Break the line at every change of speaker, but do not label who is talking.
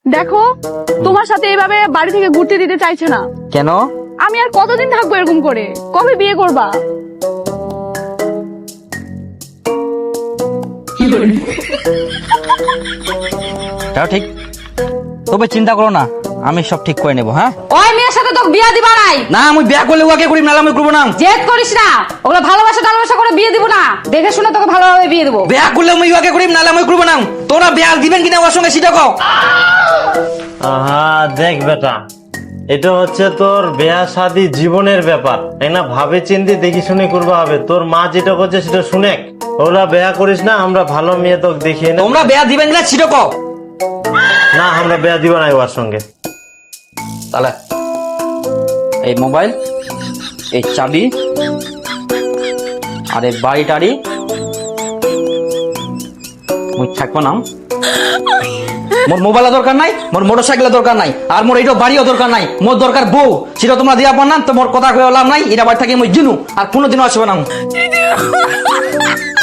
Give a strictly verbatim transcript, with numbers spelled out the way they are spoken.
দেখো তোমার সাথে এইভাবে বাড়ি থেকে ঘুরতে দিতে চাইছে না।
কেন?
আমি আর কতদিন থাকবো এরকম করে? কবে বিয়ে করবা?
তাও ঠিক, তবে চিন্তা করো না, আমি সব ঠিক করে নেবো। হ্যাঁ,
ওই মেয়ের সাথে তোকে বিয়ে দিবা নাই।
না আমি বিয়া করলে ওকে করি, নাহলে আমি করবো না।
জেদ করিস না, ওগুলো ভালোবাসা টালবাসা করে বিয়ে দিব না, দেখে শুনে তোকে ভালোভাবে বিয়ে দেবো।
বিয়া করলে আমি ওকে করি, নাহলে আমি করবো না। তোরা বিয়া দিবেন কিনা ওর সঙ্গে সেটা কও।
আহা দেখ বেটা, এটা হচ্ছে তোর বিয়া শাদী জীবনের ব্যাপার, তাই না? ভাবে চিন্তে দেখি শুনে করবা হবে। তোর মা যেটা করছে সেটা শুনে ওরা বিয়া করিস না, আমরা ভালো মেয়ে তোকে দেখিয়ে নেব।
তোমরা বিয়া দিবেন কিনা সেটা কও।
না আমরা বিয়া দিব না ওর সঙ্গে।
তাহলে এই মোবাইল, এই চাবি আর এই বাড়ি টাড়ি মুই থাকবো না। মোর মোবাইলের দরকার নাই, মোর মোটর সাইকেলের দরকার নাই, আর মোর এইটা বাড়িও দরকার নাই। মোর দরকার বউ, সেটা তোমরা দিয়া পার না। তো মোর কথা কয়ে লাভ নাই, এটা বাড়ি থাকি মই জিনু আর কোনোদিনও আসবে না।